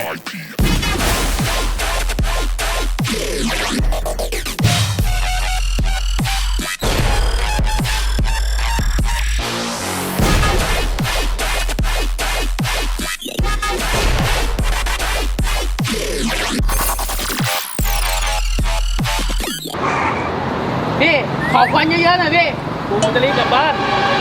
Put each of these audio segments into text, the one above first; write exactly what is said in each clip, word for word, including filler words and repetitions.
พี่ขอควันเยอะๆหน่อยพี่ผมจะรีบกลับบ้าน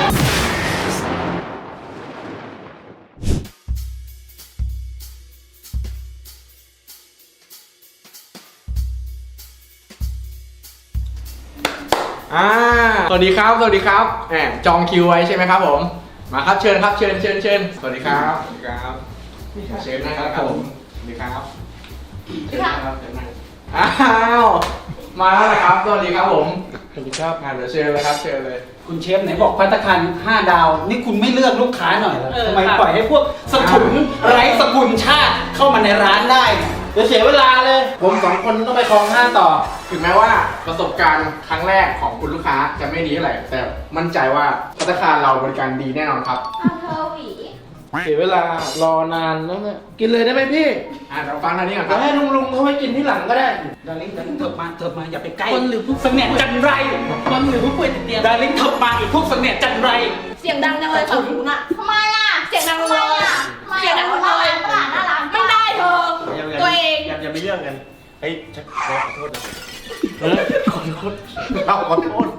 อ่าสวัสดีครับสวัสดีครับแหมจองคิวไว้ใช่ไหมครับผมมาครับเชิญครับเชิญเชิญเชิญสวัสดีครับสวัสดีครับเชิญนะครับผมสวัสดีครับเชิญนะครับเชิญนะอ้าวมาแล้วนะครับสวัสดีครับผมสวัสดีครับงานเดี๋ยวเชิญเลยครับเชิญเลยคุณเชฟไหนบอกภัตตาคารห้าดาวนี่คุณไม่เลือกลูกค้าหน่อยเหรอเออทำไมครับปล่อยให้พวกสถุนไร้สกุลชาติเข้ามาในร้านได้เนี่ยเดี๋ยวเสียเวลาเลย ผมสองคนต้องไปคลองห้าต่อถึงแม้ว่าประสบการณ์ครั้งแรกของคุณลูกค้าจะไม่ดีเท่าไหร่แต่มั่นใจว่าภัตตาคารเราบริการดีแน่นอนครับเอาเธอหวีเสียเวลารอนานแล้วเนี่ยกินเลยได้ไหมพี่อ่าเราฟังทางนี้ก่อนคเดี๋ยรับวให้ลุงลุงเขาไปกินที่หลังก็ได้ดาริ่งดาริ่งเถิบมาเถิบมาอย่าไปใกล้คนหรือผู้เสนียดจันไรคนหรือผู้ป่วยติดเตียงดาริ่งเถิบมาอีกพวกเสนียดจันไรเสียงดังจังเลยฝั่งนู้นอะทำไมอะเสียงดังเลยอะเสียงดังเลยตลาดหน้าร้านไม่ได้เธอตัวเองอย่าอย่ามีเรื่องกัน เฮ้ยฉันขอโทษนะเออขอโทษเราขอโทษ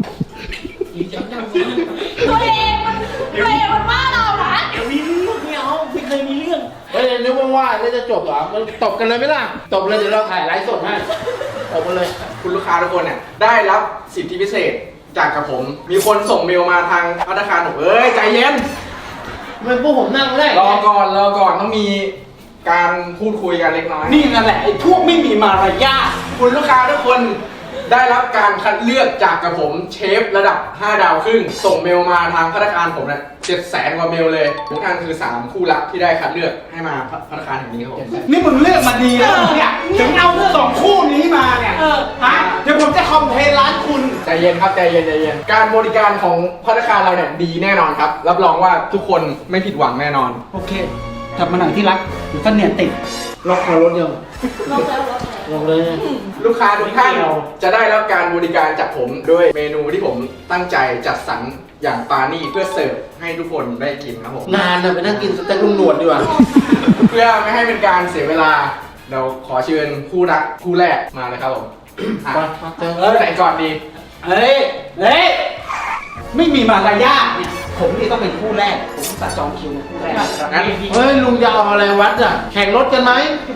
ตัวเองมันตัวเองมันว่าเรานะเดี๋ยวมีเรื่องไม่เอาไม่เคยมีเรื่องเฮ้ยนึกว่าว่าแล้วจะจบเหรอมันตบกันเลยไหมล่ะตบเลยเดี๋ยวเราถ่ายไลฟ์สดให้ตบกันเลยคุณลูกค้าทุกคนเนี่ยได้รับสิทธิพิเศษจากกับผม มีคนส่งเมลมาทางภัตตาคารผมเอ้ยใจเย็นมันพวกผมนั่งได้รอก่อนรอก่อนต้องมีการพูดคุยกันเล็กน้อยนี่นั่นแหละไอ้พวกไม่มีมารยาทคุณลูกค้าทุกคนได้รับการคัดเลือกจากกับผมเชฟระดับห้าดาวครึ่งส่งเมลมาทางภัตตาคารผมเนี่ยเจ็ดแสนกว่าเมลเลยทุกท่านคือสามคู่รักที่ได้คัดเลือกให้มาภัตตาคารแห่งนี้ครับผมนี่มึงเลือกมาดีแล้วเนี่ยถึงเอาสองคู่นี้มาเนี่ยฮะเดี๋ยวผมจะคอมเพลนร้านคุณใจเย็นครับใจเย็นใจเย็นการบริการของภัตตาคารเราเนี่ยดีแน่นอนครับรับรองว่าทุกคนไม่ผิดหวังแน่นอนโอเคกลับมาหน่อยที่รักเดี๋ยวเสนียดติดล็อกคอรถยังลงแล้วลงแล้วลงเลยลูกค้าทุกท่านจะได้รับการบริการจากผมด้วยเมนูที่ผมตั้งใจจัดสรรอย่างปานี่เพื่อเสิร์ฟให้ทุกคนได้กินครับผมนานนะไปนั่งกินสเต็กลุงหนวดดีกว่าเพื่อไม่ให้เป็นการเสียเวลาเราขอเชิญคู่รักคู่แรกมาเลยครับผมอ่ะมามาเจอเออไหนก่อนดีเฮ้ย เฮ้ย ไม่มีมารยาทเนี่ย ผมนี่ต้องเป็นคู่แรก ผมตัดจองคิวคู่แรกงั้นเฮ้ยลุงจะเอาอะไรวัดอ่ะแข่งรถกันไหม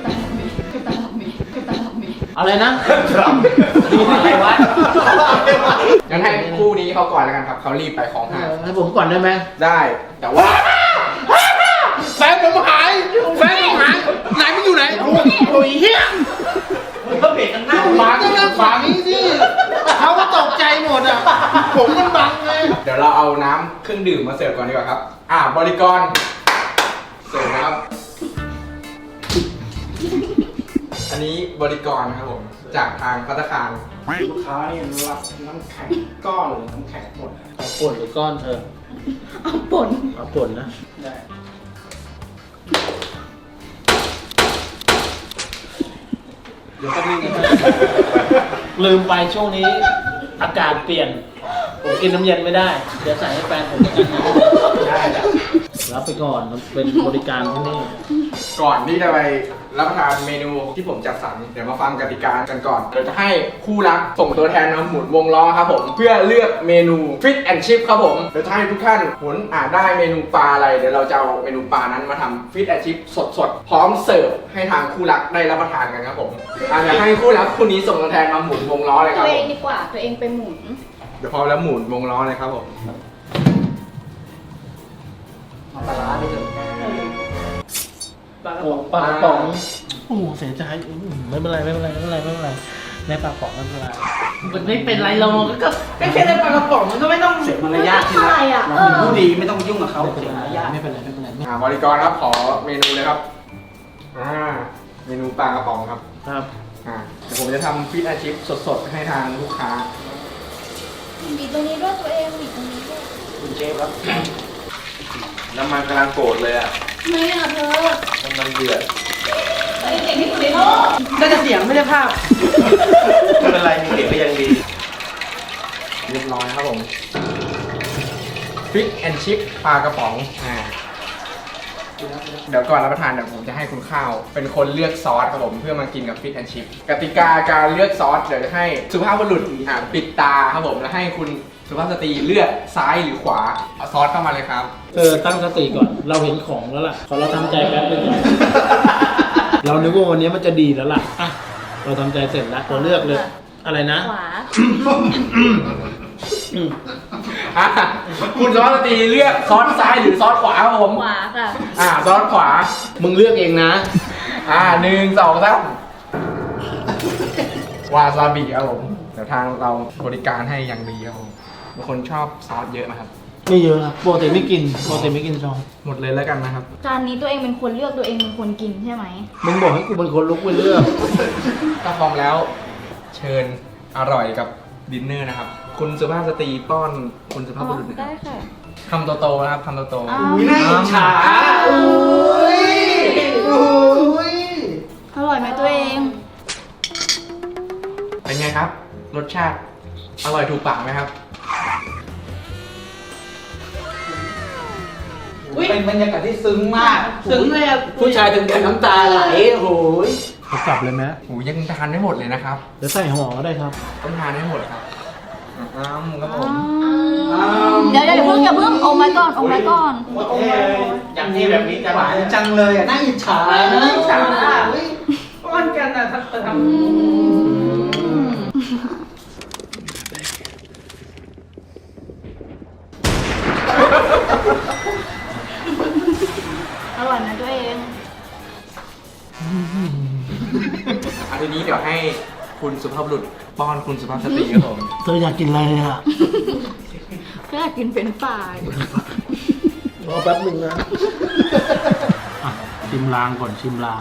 อะไรนะดูอะไรวะงั้นให้คู่นี้เขาก่อนแล้วกันครับเขารีบไปของหายให้ผมก่อนได้ไหมได้แต่ว่าแฟนผมหายแฟนผมหายไหนมันอยู่ไหนโอ้ยเฮียมันก็เบรกกันหน้าบังก็นั่งฝังนี้สิเขาก็ตกใจหมดอ่ะผมมันบังไงเดี๋ยวเราเอาน้ำเครื่องดื่มมาเสิร์ฟก่อนดีกว่าครับอ่าบริกรเสิร์ฟนะครับ อันนี้บริกรนะครับผมจากทางภัตตาคารลูกค้านี่รับน้ำแข็งก้อนหรือน้ำแข็งหมดเอาป่นหรือก้อนเธอเอาป่นเอาป่นนะได้เดี๋ยวก็มีนะลืมไปช่วงนี้อากาศเปลี่ยน ผมกินน้ำเย็นไม่ได้ เดี๋ยวใส่ให้แฟนผมกินนะได้รับไปก่อนมันเป็นบริการที่นี่ก่อนที่จะไปรับประทานเมนูที่ผมจัดสรรเดี๋ยวมาฟังกติกากันก่อนเดี๋ยวจะให้คู่รักส่งตัวแทนมาหมุนวงล้อครับผมเพื่อเลือกเมนู Fish and Chip ครับผมเดี๋ยวจะให้ทุกท่านหมุนอ่านได้เมนูปลาอะไรเดี๋ยวเราจะเอาเมนูปลานั้นมาทำ Fish and Chip สดๆพร้อมเสิร์ฟให้ทางคู่รักได้รับประทานกันครับผมอ่ะเดี๋ยวให้คู่รักคู่นี้ส่งตัวแทนมาหมุนวงล้อเลยคตัรับวผเองมดีกว่าตัวเองไปหมุนเดี๋ยวพร้อมแล้วหมุนวงล้อเลยครับผมมาปลาร้าไปเถอะปลากระโอ้ป๋องปลากระป๋องโอ้เสียใจอืมไม่เป็นไรไม่เป็นไรไม่เป็นไรไม่เป็นไรในปลากระป๋องไม่เป็นไรมันไม่เป็นไรเราก็ก็แค่ได้ปลากระป๋องมันก็ไม่ต้องเสียมารยาทที่รักอะไรอ่ะเราเป็นผู้ดีไม่ต้องยุ่งกับเขาไม่เป็นเสียไรมารยาทไม่เป็นไรไม่เป็นไรไม่อ่าบริกรครับขอเมนูเลยครับอ่าเมนูปลากระป๋องครับครับอ่าเดี๋ยวผมจะทำฟิชอาชิพสดๆ ให้ทางลูกค้าบีบตรงนี้ด้วยตัวเองบีบตรงนี้ด้วยคุณเชฟครับน้ำมันกำลังโกรธเลยอ่ะทำไมอ่ะเธอน้ำมันเดือดเก่งที่สุดในโลกได้แต่เสียงไม่ได้ภาพไม่เป็นไรมีเด็กก็ยังดีเรียบร้อยครับผมฟิชแอนชิพปลากระป๋องอ่าเดี๋ยวก่อนรับประทานเดี๋ยวผมจะให้คุณข้าวเป็นคนเลือกซอสครับผมเพื่อมากินกับฟิชแอนชิพกติกาการเลือกซอสเดี๋ยวจะให้สุภาพบุรุษอ่าปิดตาครับผมแล้วให้คุณสุภาพสตรีเลือกซ้ายหรือขวาเอาซอสเข้ามาเลยครับเออตั้งสติก่อน เราเห็นของแล้วล่ะขอเราทำใจแป๊บนึงก่อน เรานึกว่าวันนี้มันจะดีแล้วล่ะอ่ะเราทำใจเสร็จแล้วเราเลือกเลย อะไรนะขวาอืมอ่ะคุณสุภาพสตรีเลือกซอสซ้ายหรือซอสขวาครับผมขวาค่ะอ่าซอสขวามึงเลือกเองนะอ่าหนึ่งสองสามวาซาบิครับผมเดี๋ยวทางเราบริการให้อย่างดีครับผมบางคนชอบซอสเยอะไหมครับไม่เยอะครับปกติไม่กินปกติไม่กินซองหมดเลยแล้วกันนะครับจานนี้ตัวเองเป็นคนเลือกตัวเองเป็นคนกินใช่ไหมมึงบอกให้กูเป็นคนลุกไปเลือกถ้าพร้อมแล้วเชิญอร่อยกับดินเนอร์นะครับ คุณสุภาพสตรีป้อนคุณสุภาพบุรุษนะคได้รับค่ะคำโตๆนะครับคำโตอ้าวอุ้ยน่าอิจฉาอุ้ยอุ้ยอร่อยไหมตัวเองๆเป็นไงครับ รสชาติอร่อยถูกปากไหมครับเป็นบรรยากาศที่ซึ้งมากถึงเลยอ่ะผู้ชายถึงกับน้ำตาไหลโอ้โหยเขากลับเลยไหมโหยังทานไม่หมดเลยนะครับเดี๋ยวใส่ห่อก็ได้ครับต้องทานให้หมดครับอ้ามครับผมเดี๋ยวเดี๋ยวอย่าเพิ่งอย่าเพิ่งอมไว้ก่อนอมไว้ก่อนโอเคอย่างที่แบบนี้จะหวานจังเลยอ่ะน่าอิจฉานะอิจฉาอุ้ยป้อนกันอ่ะถ้าจะทำอร่อยไหมตัวเองอันทีนี้เดี๋ยวให้คุณสุภาพบุรุษป้อนคุณสุภาพสตรีครับผมเธออยากกินอะไรอ่ะก็อยากกินเป็นฝ่ายรอแป๊บหนึ่งนะอ่ะชิมลางก่อนชิมลาง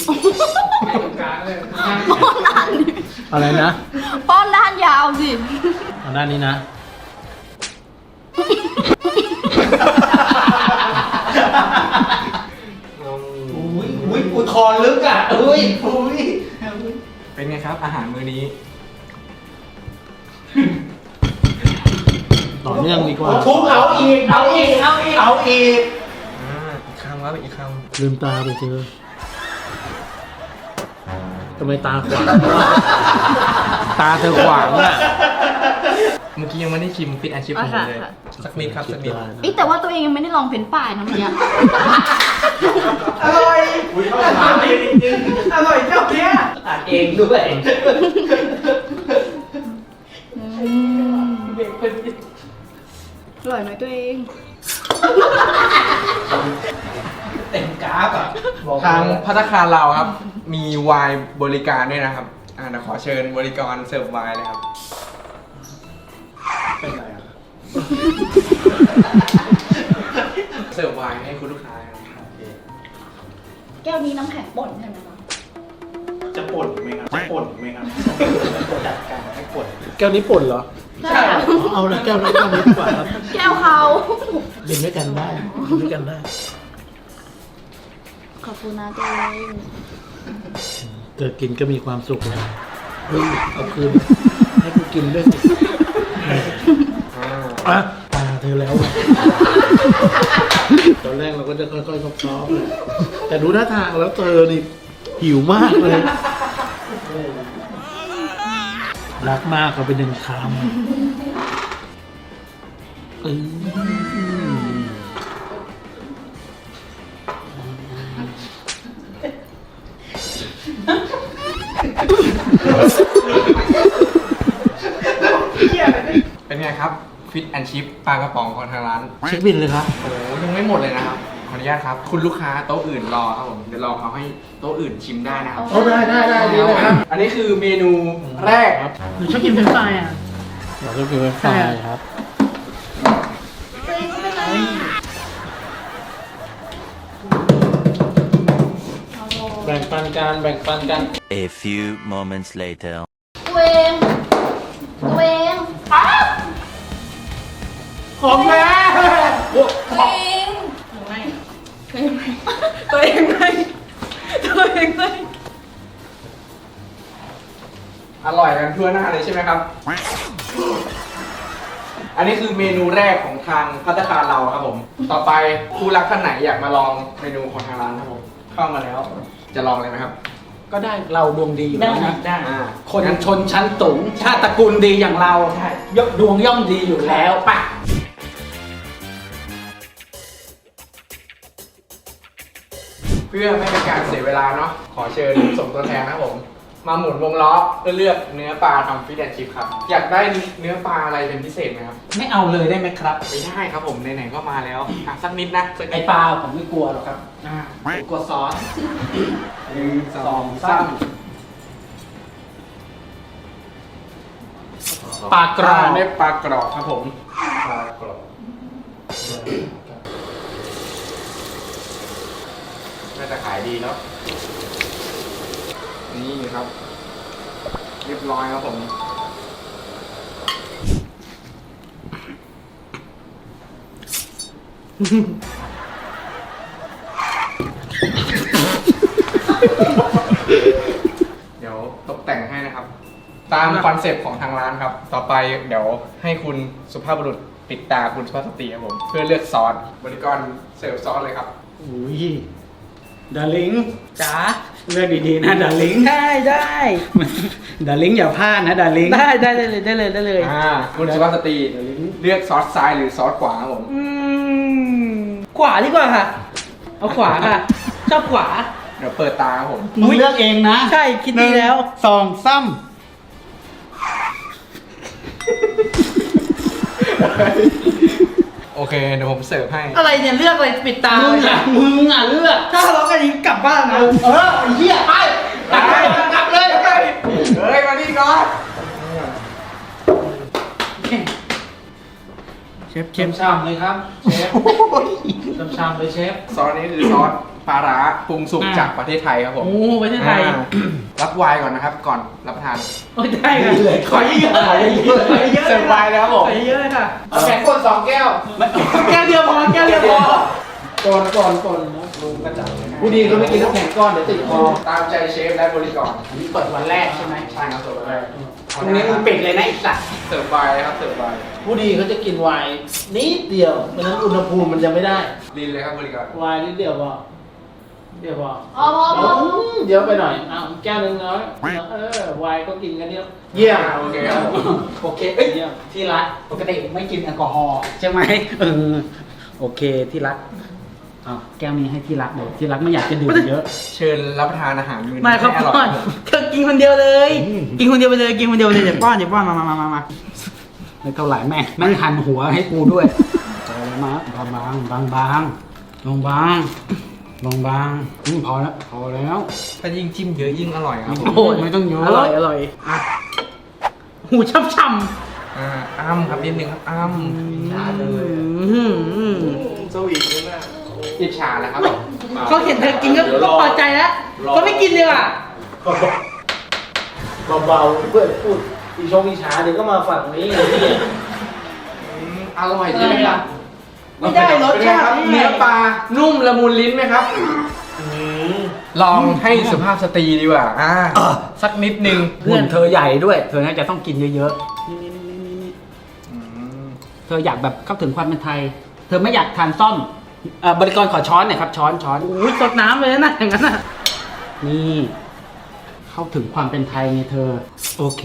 อะไรนะป้อนด้านยาวสิเอาด้านนี้นะอุ้ยอุ้ยอุทธรลึกอ่ะอุ้ยอุ้ยเป็นไงครับอาหารมื้อนี้ต่อเนื่องดีกว่าทุบเอาอีกเอาอีกเอาอีกเอาอีกอ่าอีกคำครับอีกคลืมตาไปเจอทำไมตาขวางตาเธอขวางอ่ะำเมื่อกี้ยังไม่ได้ชิมฟิตแอนชิพของผมเลยค่ะสักนิดครับสักนิดเอ้ยแต่ว่าตัวเองยังไม่ได้ลองเป็นฝ่ายนะเมื่อกี้อร่อยอุ้ยเข้ามาไม่จริงอร่อยเจ้าเนี้ยอ่านเองด้วยเด็กเป็นอร่อยไหมตัวเองเต็มกราฟอ่ะบอกทางพัตตาคารเราครับ มีไวน์บริการด้วยนะครับอ่าเดี๋ยวขอเชิญบริการเสิร์ฟไวน์เลยครับเป็นไรอ่ะเสิร์ฟไวน์ให้คุณลูกค้าครับแก้วนี้น้ำแข็งป่นใช่ไหมคะจะป่นไหมครับจะป่นไหมครับจัดการให้ปวดแก้วนี้ป่นเหรอใช่ค่ะเอาละแก้วนี้แก้วนี้ดีกว่าครับแก้วเขากินด้วยกันได้กินด้วยกันได้ขอบคุณนะตัวเองเธอกินก็มีความสุขแล้วเฮ้ยเอาคืนให้กูกินด้วยสิอ่าอ่ะตาเธอแล้วอะตอนแรกเราก็จะค่อยๆซอฟๆแต่ดูท่าทางแล้วเธอนี่หิวมากเลย รักมากก็เป็นหนึ่งคำอืมเป็นไงครับฟิตแอนชิพปลากระป๋องของทางร้านเช็คบินเลยครับโอ้โหยังไม่หมดเลยนะครับขออนุญาตครับคุณลูกค้าโต๊ะอื่นรอครับผมเดี๋ยวรอเขาให้โต๊ะอื่นชิมได้นะครับโอ้ได้ได้ได้ดีเลยครับอันนี้คือเมนูแรกครับหนูชอบกินเป็นฝ่ายอ่ะเราก็คือไฟครับ แบ่งปันกันแบ่งปันกัน A few moments later. ตัวเองตัวเองอ้าวของแม่ตัวเองไม่ตัวเองไม่ตัวเองไม่ร่อยกันทั่วหน้าเลยใช่ไหมครับ อันนี้คือเมนูแรกของทางภัตตาคารเราครับผม ต่อไปผู้รักท่านไหนอยากมาลองเมนูของทางร้านครับผม เข้ามาแล้ว จะลองเลยไหมครับก็ได้เราดวงดีอยู่ได้แล้วนะได้อ่าคนชนชั้นสูงชาติตระกูลดีอย่างเรายดวงย่อมดีอยู่แล้วปะเพื่อไม่เป็นการเสียเวลาเนาะ ขอเชิญส่งตัวแทนนะครับผม มาหมุนวงล้อเพื่อเลือกเนื้อปลาทำฟิชแอนด์ชิพครับ อยากได้เนื้อปลาอะไรเป็นพิเศษไหมครับไม่เอาเลยได้ไหมครับไม่ได้ครับผมไหนๆก็มาแล้วอ่ะสักนิดนะสักไอนิดปลาผมไม่กลัวหรอกครับผมกลัวซอสหนึ่งสองสาสาม มปลากรอบได้ปลากรอบครับผมปลากรอบน่าจะขายดีเนาะนี่ครับ เรียบร้อยครับผม เดี๋ยวตกแต่งให้นะครับ ตามคอนเซปต์ของทางร้านครับ ต่อไปเดี๋ยวให้คุณสุภาพบุรุษปิดตาคุณสุภาพสตรีครับผม เพื่อเลือกซอสบริกรเสิร์ฟซอสเลยครับอุ้ยดาริงจ๋าเลือกดีๆนะดาริงได้ได้ดาริงอย่าพลาดนะดาริงได้ได้ได้เลยได้เลยได้เลยอ่า คุณสุภาพสตรีเลือกซอสซ้ายหรือซอสขวาครับผมอืมขวาดีกว่าค่ะ เอาขวาค่ะชอบขวาเดี๋ยวเปิดตาครับผมมึงเลือกเองนะใช่คิดดีแล้วหนึ่งสองซ้โอเค เดี๋ยวผมเสิร์ฟให้อะไรเนี่ยเลือกอะไรปิดตาำมึงอ่ะมึงอ่ะเลือกถ้าทะเลาะกันนี้กลับบ้านนะเออไอ้เหี้ยไปกลับเลยกลับเลยเฮ้ย มานี่ก่อนเชฟเชเชฟฟชามเลยครับเชฟชามชามเลยเชฟซอสนี้คือซอสปลาร้าปรุงสุกจากประเทศไทยครับผมโอ้ประเทศไทยอ่ารับไวน์ก่อนนะครับ ก่อนรับประทานโอ้ยได้ค่ะขอเยอะๆขอเยอะๆขอเยอะๆเสิร์ฟไวน์แล้วครับผมขอเยอะๆเลยค่ะเอาแข็งคนสองแก้วแก้วเดียวพอแก้วเดียวพอก่อนก่อนก่อนนะลุงกระจับผู้ดีเขาไม่กินน้ำแข็งก้อนเดี๋ยวติดคอตามใจเชฟและบริกรอันนี้เปิดวันแรกใช่ไหมใช่ครับเสิร์ฟไวน์ตรงนี้มึงปิดเลยนะไอ้สัตว์เสิร์ฟไวน์ครับ เสิร์ฟไวน์ผู้ดีเขาจะกินไวน์นิดเดียวเพราะฉะนั้นอุณหภูมิมันจะไม่ได้ลินเลยครับบริกรไวน์นิดเดียวพอเดียวพอพอพอพอเดี๋ยวไปหน่อยอ้าวแก้วหนึงน้อยเออไวน์ก็กินกันเดียวเยี่ยมโอเคครับผมโอเคเอ้ยเยี่ยมที่รักปกติไม่กินแอลกอฮอล์ใช่ไหมเออโอเคที่รักอ้าวแก้วนี้ให้ที่รักเดี๋ยวที่รักไม่อยากจะดื่มเยอะเชิญรับประทานอาหารมื้อนี้ไม่ครับให้อร่ป้ออย นครับผมเธอกินคนเดียวเลย กินคนเดียวไปเลยกินคนเดียวไปเลยเดี๋ยวป้อนเดี๋ยวป้อนมามามามามาไม่เท่าไหร่แม่งแม่งหันหัวให้กูด้วยเอามาบางบางบางบางบางบางบางบางอืมพอแล้วพอแล้วถ้ายิ่งจิ้มเยอะยิ่งอร่อยครับผมโอ้ยไม่ต้องเยอะอร่อยอร่อยอ่ะหูช่ำช่อ่าอ้ำครับนิดนึงครับอ้ำชาเลยำสวีทนี่นะอิจฉาแล้วครับผมเขาเห็นเธอกินก็ก็พอใจแล้วเขาไม่กินเลยว่ะเบาๆเพื่อนพูดอีชงอีช้าเดี๋ยวก็มาฝั่งนี้ไอ้ที่อืมอร่อยใช่ไหมครับไม่ได้รสชาติเป็นไงครับเนื้อปลานุ่มละมุนลิ้นไหมครับลองให้สุภาพสตรีดีกว่าอ่าสักนิดนึงหุ่นเธอใหญ่ด้วย เธอน่าจะต้องกินเยอะอืมๆ เธออยากแบบเข้าถึงความเป็นไทย เธอไม่อยากทานซ่อมเอ่อบริกรขอช้อนหน่อยครับ ช้อนช้อนอุ้ยสดน้ำเลยนะอย่างนั้นน่ะนี่ เข้าถึงความเป็นไทยไงเธอ โอเค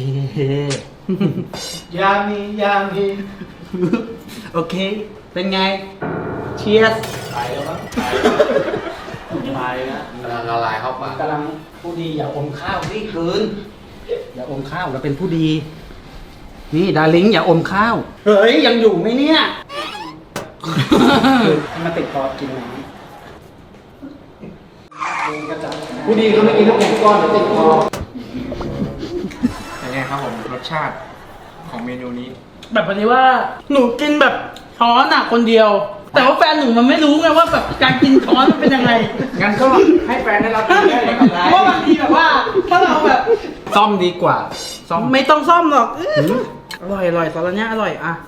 ยามียามีโอเค เป็นไง เชียร์ไปแล้วมั้งไปแล้วกำลังละลายเข้าปากกำลังผู้ดีอย่าอมข้าวสิคืนอย่าอมข้าวเราเป็นผู้ดี นี่ดาริงอย่าอมข้าว เฮ้ย ยังอยู่ไหมเนี่ย ให้มาติดคอกินน้ำผู้ดีเขาไม่กินน้ำแข็งก้อนเดี๋ยวติดคอเป็นไงครับผมรสชาติของเมนูนี้แบบนี้ว่าหนูกินแบบช้อนอ่ะคนเดียว แต่ว่าแฟนหนูมันไม่รู้ไงว่าแบบการกินช้อนมันเป็นยังไงงั้นก็ให้แฟนได้รับรู้ได้เลยครับเพราะบางทีแบบว่า ถ้าเราแบบซ่อมดีกว่า ซ่อมไม่ต้องซ่อมหรอกอื้ออร่อยอร่อยสาระเนี้ยอร่อยอ่ะ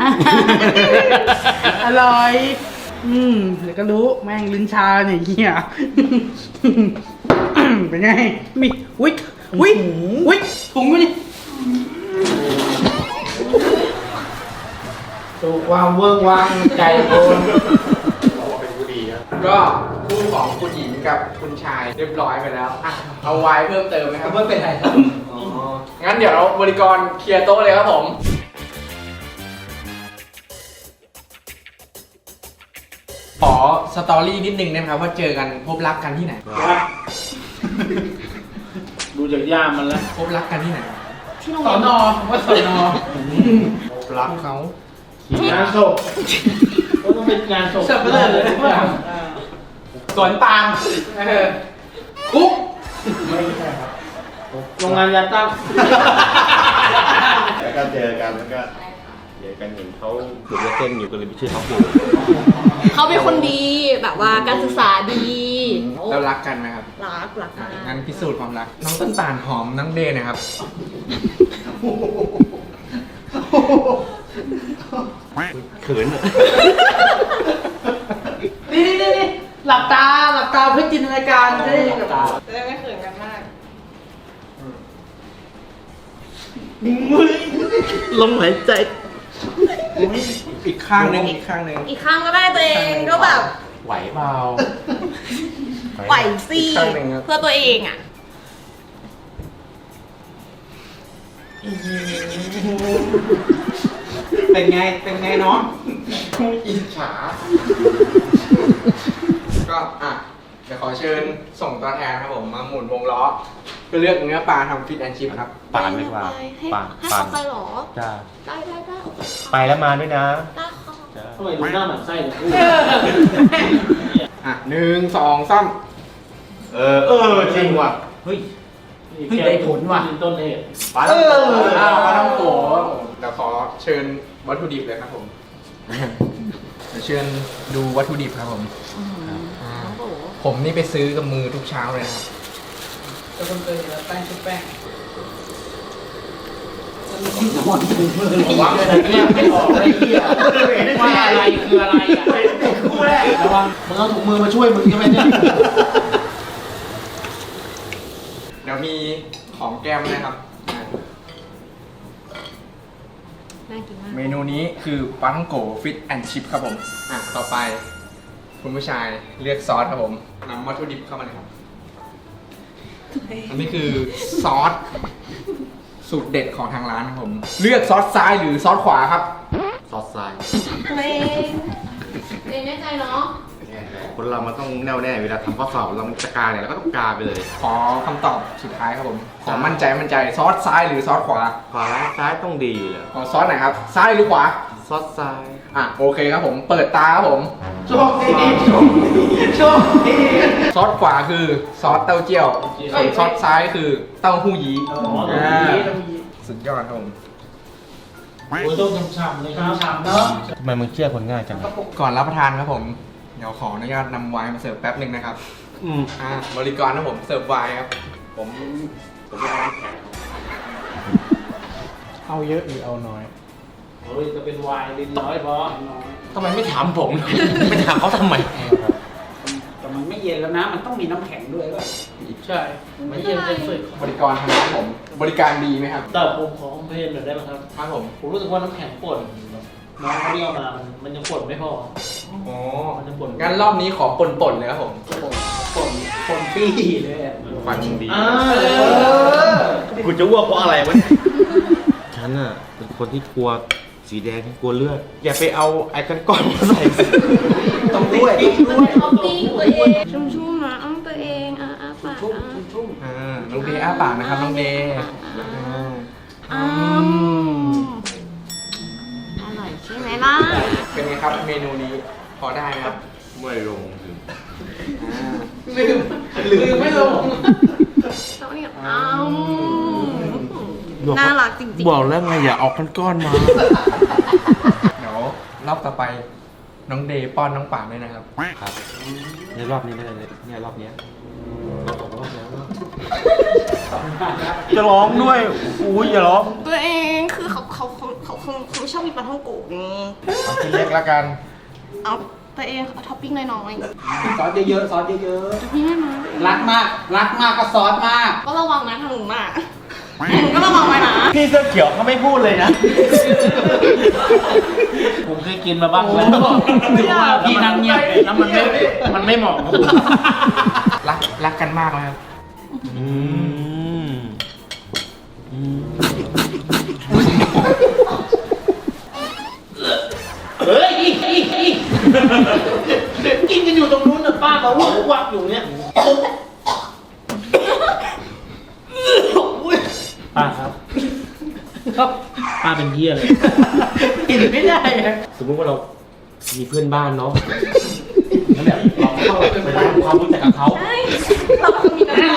อร่อย อืมเดี๋ยวก็รู้แม่งลิ้นชาเนี่ยเหี้ย เป็นไง มีวิวิวิถุงอยู่นี่สู่ความเวิ้งว้างใจโอนเราบอกเป็นผู้ดีครับก็คู่ของคุณหญิงกับคุณชายเรียบร้อยไปแล้วอ่ะเอาไว้เพิ่มเติมไหมครับไม่เป็นไรครับอ๋องั้นเดี๋ยวเราบริกรเคลียร์โต๊ะเลยครับผม ขอสตอรี่นิดนึงนะครับว่าเจอกันพบรักกันที่ไหนดูจากย่ามมันแล้วพบรักกันที่ไหนที่โรงสเรีอยนนอว่าสอนอรักเขางานศพก็ต้องเป็นงานศพเสิร์ฟไปเลยเลยว่าสวนปาล์มเออคุกโรงงานยาตั้งแล้วก็เจอกันแล้วก็เจอกันเห็นเขาถูกเส้นอยู่ก็เลยไปชื่อเขาอยู่เขาเป็นคนดีแบบว่าการศึกษาดีแล้วรักกันไหมครับรักรักอ่ะมากงั้นพิสูจน์ความรัก น้องต้นตาลหอมน้องเดย์นะครับเขินนี่นี่นี่นี่หลับตาหลับตาเพื่อจินตนาการจะได้แบบจะได้ไม่เขินกันมากลมหายใจอีกข้างหนึ่งอีกข้างหนึ่งอีกครั้งก็ได้ตัวเองก็แบบไหวเปล่าไหวสิอีกข้างหนึ่งครับเพื่อตัวเองอ่ะเป็นไง เป็นไงน้องอิจฉา ก็อ่ะเดี๋ยวขอเชิญส่งตัวแทนครับผมมาหมุนวงล้อเพื่อเลือกเนื้อปลาทำฟิตแอนชิพครับปานดีกว่าให้ปานให้ปานเขาไปเหรอจ้าได้ได้ได้ไปแล้วมาด้วยนะได้ค่ะจ้าทำไมดูหน้าหมันไส้เลยอ่ะหนึ่งสองสามเออ เออ จริงว่ะเฮ้ย เฮ้ยได้ผลว่ะต้นเหตุปลาเอออ้าวปลาท่องโกเดี๋ยวขอเชิญวัตถุดิบเลยครับผมเดี๋ยวเชิญดูวัตถุดิบครับผมอ่าผมนี่ไปซื้อกับมือทุกเช้าเลยนะครับจะคนเคยเห็นแล้วแป้งชุบแป้งนอนถึงมือเลยว่าอะไรเนี่ยไม่ออกอะไรเหี้ยว่าอะไรคืออะไรอ่ะระวังมึงเอาถุงมือมาช่วยมึงใช่ไหมเนี่ยเดี๋ยวมีของแก้มนะครับอ่าน่ากินมากเมนูนี้คือปลาท่องโกฟิตแอนชิพครับผมอ่ะต่อไปคุณผู้ชายเลือกซอสครับผมนำวัตถุดิบเข้ามาเลยครับ อันนี้คือซอสสูตรเด็ดของทางร้านครับผม เลือกซอสซ้ายหรือซอสขวาครับซอสทรายตัวเองตัวเองแน่ใจเนาะคนเรามันต้องแน่วแน่เวลาทำข้อสอบเรามันจะกาเนี่ยเราก็ต้องกาไปเลยขอคำตอบสุดท้ายครับผม ขอมั่นใจมั่นใจซอสซ้ายหรือซอสขวาขวาซ้ายต้องดีเลยขอซอสไหนครับ ซ้ายหรือขวาซอสทรายอ่ะโอเคครับผม เปิดตาครับผมโชคดีโชคดีโชคดีซอสขวาคือซอสเต้าเจี้ยวส่วนซอสซ้ายคือเต้าหู้ยี้อ๋อตรงนี้ตรงนี้สุดยอดครับผมโอ้ยต้องฉ่ำๆเลยครับฉ่ำเนาะทำไมมึงเชื่อคนง่ายจังก่อนรับประทานครับผม เดี๋ยวขออนุญาตนำไวน์มาเสิร์ฟแป๊บหนึ่งนะครับอืมอ่าบริกรนะผมเสิร์ฟไวน์ครับผมผมไม่เอาน้ำแข็งเอาเยอะหรือเอาน้อยโอ้ยจะเป็นวายลินน้อยพอทำไมไม่ถามผม ไม่ถามเขาทำไมแต่มันไม่เย็นแล้วนะ มันต้องมีน้ำแข็งด้วยด้วยใช่ไม่เย็นจะฝึกบริกรทางร้านผม บริการดีไหมครับแต่ผมขอคอมเพลนหน่อยได้ไหมครับครับผมผมรู้สึกว่าน้ำแข็งป่นน้องเขาที่เอามา มันมันยังป่นไม่พออ๋อมันจะป่นงั้นรอบนี้ขอป่นๆเลยครับผมคนคนปี้เลยอะฟันดีอ่ากูจะอ้วกเพราะอะไรวะเนี่ยฉันอ่ะเป็นคนที่กลัวสีแดงที่กลัวเลือด อย่าไปเอาไอ้กันก้อนมาใส่สิต้องด้วยมันเป็นท็อปปิ้งตัวเองชุ่มๆนะอ้อมตัวเองอ่ะอ่ะปากชุ่มอ่ะชุ่มอ่า น้องเดย์อ้าปากนะครับ น้องเดย์อ่าอืมอร่อยใช่ไหมล่ะเป็นไงครับเมนูนี้ พอได้ไหมครับไม่ลงถึงอ่าลืมลืมไม่ลงแล้วเนี่ยอ้าวน่ารักจริงๆบอกแล้วไงอย่าเอาก้อนๆมาเดี๋ยวรอบต่อไป น้องเดย์ป้อนน้องป่านด้วยนะครับครับในรอบนี้ไม่ได้เลยเนี่ยรอบเนี้ยสองรอบแล้วจะร้องด้วยอุ้ยอย่าร้องตัวเองคือเขาเขาเขาเขาเขาเขาไม่ชอบกินปลาท่องโกะไงเอาชิ้นเล็กแล้วกันเอาตัวเองเอาท็อปปิ้งน้อยซอสเยอะๆซอสเยอะๆพี่ได้ไหมๆรักมาก รักมากก็ซอสมากก็ระวังนะทางหนูน่ะหนูก็ระวังไว้นะพี่เสื้อเขียวเขาไม่พูดเลยนะผมเคยกินมาบ้างแล้วถือว่าพี่นั่งเงียบแล้วมันไม่มันไม่เหมาะกับผมรักรักกันมากเลยครับอืมอืมเฮ้ยอีอีอีกินกันอยู่ตรงนู้นน่ะป้ามาวักวักอยู่เนี่ยป้าครับครับป้าเป็นเหี้ยเลยกินไม่ได้อะสมมติว่าเรามีเพื่อนบ้านเนาะแล้วแบบเราเข้าไปทำความรู้จักกับเขาใช่เราก็มีน้ำใจ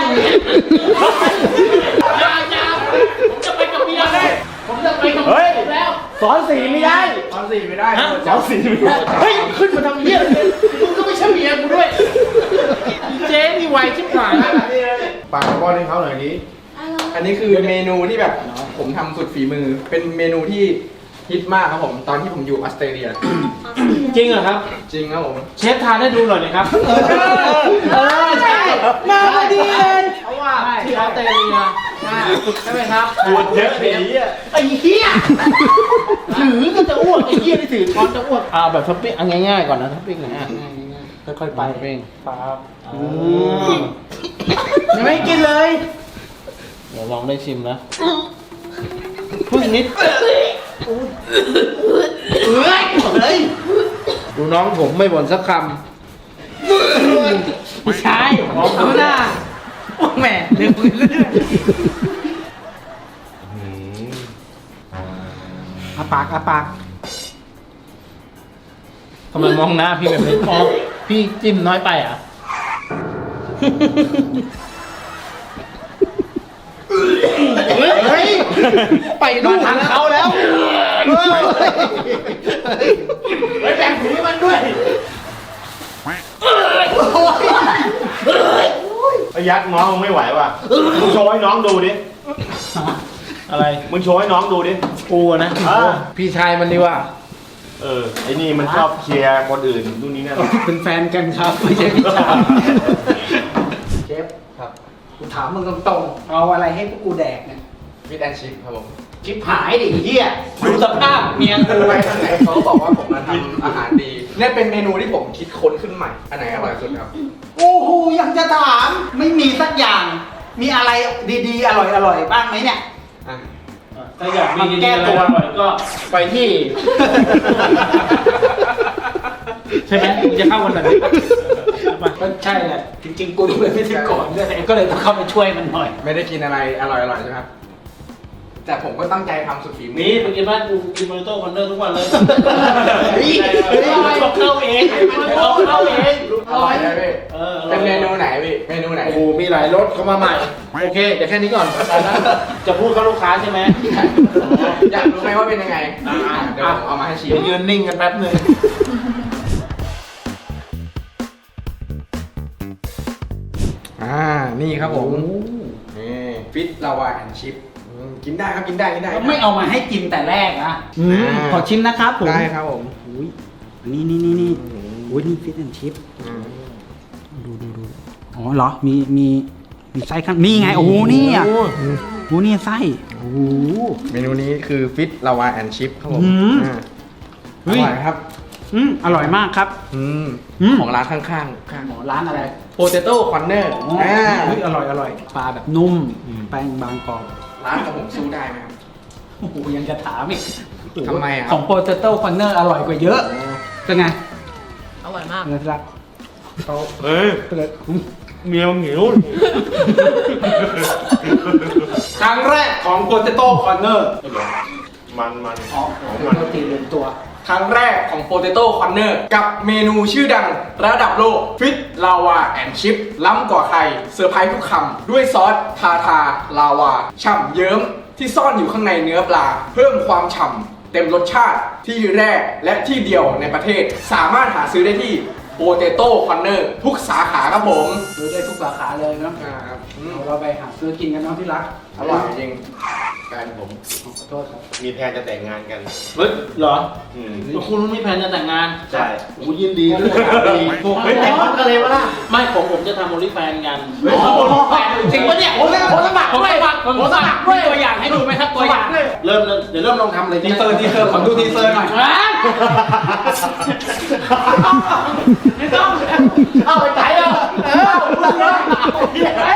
อย่าอย่าผมจะไปกับเมียเลยผมจะไปกับเฮ้ยผมแล้วสอนสีไม่ได้ตอนสี่ไม่ได้ฮะสอนสีไม่ได้เฮ้ยขึ้นมาทำเหี้ยเลยมึงก็ไม่ใช่เมียกูด้วยเจ๊นี่ไวชิบหายปากป้อนให้เขาหน่อยดิอันนี้คือเมนูที่แบบผมทำสุดฝีมือ เป็นเมนูที่ฮิตมากครับผม ตอนที่ผมอยู่ออสเตรเลียจริงเหรอครับจริงครับผมเชฟทานให้ดูหน่อยนะครับเออใช่มาพอดีเลยเพราะว่าที่ออสเตรเลียใช่ไหมครับปวดเยอะเลยอ่ะไอ้เหี้ยถือก็จะอ้วกไอ้เหี้ยที่ถือช้อนจะอ้วกเอาแบบท็อปปิ้งเอาง่ายๆก่อนนะท็อปปิ้งนะฮะค่อยๆไปเองครับอืมยังไม่กินเลยเดี๋ยวลองได้ชิมนะพึ่งนิดเฮ้ยเฮ้ยดูน้องผมไม่บ่นสักคำไม่ใช่เอาหน้าโอ้แหม่เร็วขึ้นเรื่อยอืมอาปากอาปากทำไมมองหน้าพี่แบบนี้อ๋อพี่จิ้มน้อยไปอ่ะเฮ้ย ไปดูทางเขาแล้วไปแบ่งถุงให้มันด้วยไอ้ยักษ์น้องมึงไม่ไหวว่ะ มึงโชว์ให้น้องดูดิอะไรมึงโชว์ให้น้องดูดิกูอะนะอ่าพี่ชายมันดีว่าเออ ไอ้นี่มันชอบเคลียร์คนอื่นนู่นนี่นั่นเป็นแฟนกันครับไม่ใช่พี่ชายเชฟครับกูถามมึงตรงๆเอาอะไรให้พวกกูแดกเนี่ยวิดแอนชิพครับผมชิบหายดิเฮียดูสภาพเมียกูไปทางไหนเขาก็บอกว่าผมมาทำอาหารดี เนี่ยเป็นเมนูที่ผมคิดค้นขึ้นใหม่ อันไหนอร่อยสุดครับโอ้โหยังจะถามไม่มีสักอย่าง มีอะไรดีๆ อร่อยๆบ้างไหมเนี่ยอ่ะถ้าอยากมีมันแก้ตัวหน่อยก็ไปที่ ใช่ไหมมึงจะเข้ากันแบบนี้ก็ใช่แหละจริงๆกูดูเป็นพิธีกรด้วยก็เลยต้องเข้าไปช่วยมันหน่อยไม่ได้กินอะไรอร่อยๆใช่ไหมครับ แต่ผมก็ตั้งใจทำสุดฝีมืนี่ไปกินบ้านกูกินโมริโต้คอนเนอร์ทุกวันเลยเฮ้ยเอาเข้าเองเอาเข้าเองอร่อยนะพี่เออเป็นเมนูไหนพี่ เมนูไหนโอ้โหมีหลายรสเข้ามาใหม่ โอเคเดี๋ยวแค่นี้ก่อน จะพูดกับลูกค้าใช่ไหมอยากรู้ไหมว่าเป็นยังไงอ่าเดี๋ยวผมเอามาให้ชิมเดี๋ยวยืนนิ่งกันแป๊บหนึงอ่า นี่ครับผม นี่ฟิตลาวาแอนชิพกินได้ครับกินได้กินได้ไม่เอามาให้กินแต่แรกนะอืมขอชิมนะครับผมได้ครับผมอุ้ยนี่นี่นี่นี่อุ้ยนี่ฟิตแอนชิพอืมดูดูดูอ๋อเหรอ มีมีมีไส้ข้างนี่ไง โอ้โหนี่อ่ะโอ้โหนี่ไส้โอ้โหเมนูนี้คือฟิตลาวาแอนชิพครับผมอืมอ่าเฮ้อย ร่อยครับอืมอร่อยมากครับอืมอืมของร้านข้างๆข้างหมอร้านอะไรโปเตโต้คอนเนอร์อ๋ออ่อ่าเฮ้ยอร่อยอร่อยปลาแบบนุ่ม แป้งบางกรอบร้านกับผมสู้ได้ไหมครับโอ้โหยังจะถามอีกทำไมอะครับของโปเตโต้คอนเนอร์อร่อยกว่าเยอะเป็นไงอร่อยมากเนื้อสักเฮ้ยเป็นไงเมียมึงหิวครั้งแรกของโปเตโต้คอนเนอร์มันมันอ๋อของมันตีเรียนตัวครั้งแรกของโปเตโต้คอนเนอร์กับเมนูชื่อดังระดับโลกฟิตลาวาแอนชิพล้ำกว่าใครเซอร์ไพรส์ทุกคำด้วยซอสทาทาลาวาฉ่ำเยิ้มที่ซ่อนอยู่ข้างในเนื้อปลา เพิ่มความฉ่ำเต็มรสชาติที่แรกและที่เดียวในประเทศ สามารถหาซื้อได้ที่โปเตโต้คอนเนอร์ทุกสาขาครับผมซื้อได้ทุกสาขาเลยเนาะอ่าครับอืมเราไปหาซื้อกินกันเนาะที่รักอร่อยจริงแฟนผมขอโทษครับมีแพลนจะแต่งงานกันเฮ้ยเหรออืมคุณมีแผนจะแต่งงานใช่โอ้ยินดีด้วยดีเฮ้ยแต่งพร้อมกันเลยวะล่ะไม่ผมผมจะทำโอลิแฟนกันเฮ้ยแฟนจริงปะเนี่ยผมผมสมัครด้วยผมสมัครด้วยตัวอย่างให้ดูไหมครับตัวอย่างเริ่มเริ่มเดี๋ยวเริ่มลองทำเลยทีเซอร์ทีเซอร์ขอดูทีเซอร์หน่อยไม่ต้องเอาไปไหนอ่ะเออ